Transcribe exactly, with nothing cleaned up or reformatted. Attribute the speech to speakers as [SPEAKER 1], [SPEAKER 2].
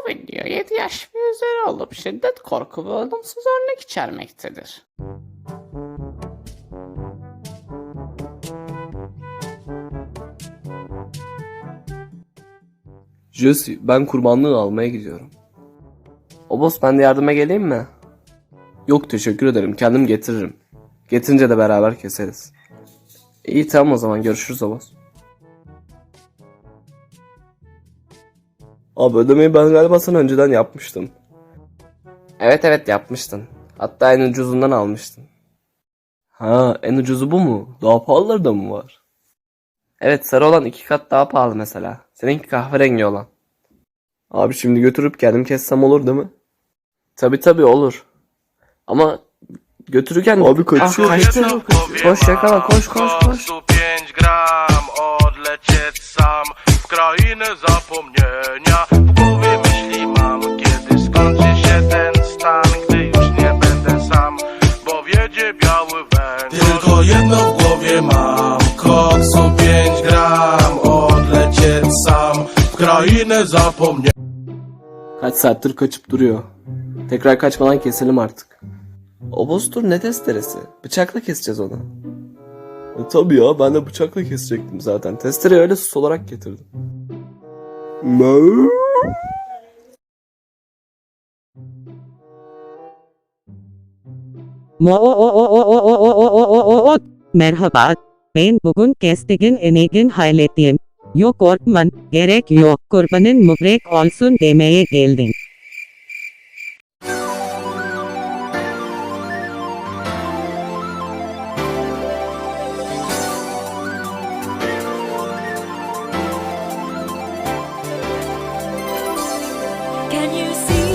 [SPEAKER 1] Bu video yedi yaş ve üzeri olup şiddet, korku ve olumsuz örnek içermektedir.
[SPEAKER 2] Jesse, ben kurbanlığı almaya gidiyorum. Obos, ben de yardıma geleyim mi? Yok, teşekkür ederim, kendim getiririm. Getirince de beraber keseriz. İyi, tamam, o zaman görüşürüz Obos. Abi, ödemeyi ben galiba sana önceden yapmıştım. Evet evet yapmıştın. Hatta en ucuzundan almıştın. Ha, en ucuzu bu mu? Daha pahalıları da mı var? Evet, sarı olan iki kat daha pahalı mesela. Seninki kahverengi olan. Abi, şimdi götürüp kendim kessem olur değil mi? Tabi tabi olur. Ama götürürken... Abi kaçıyor. Ah, kaçtı. Koş yakala, koş koş koş.
[SPEAKER 3] pięć gram odlecieć sam w krainę zapomnienia. W głowie myśli mam, kiedy skończy się ten stan, gdy już nie będę sam, bo wiedzie biały węgiel. Tylko jedno w głowie mam, koksu pięć gram odlecieć sam w krainę zapomnienia.
[SPEAKER 2] Kaç saattir kaçıp duruyor. Tekrar kaçmadan keselim artık. Obostur, ne testeresi? Bıçakla keseceğiz onu. E, tabii ya, ben de bıçakla kesecektim zaten. Testereyi öyle sus olarak getirdim.
[SPEAKER 4] Merhaba, ben bugün kestigin enegin hallettim. Yok korkman, gerek yok, kurbanın mübarek olsun demeye geldim.
[SPEAKER 5] Can you see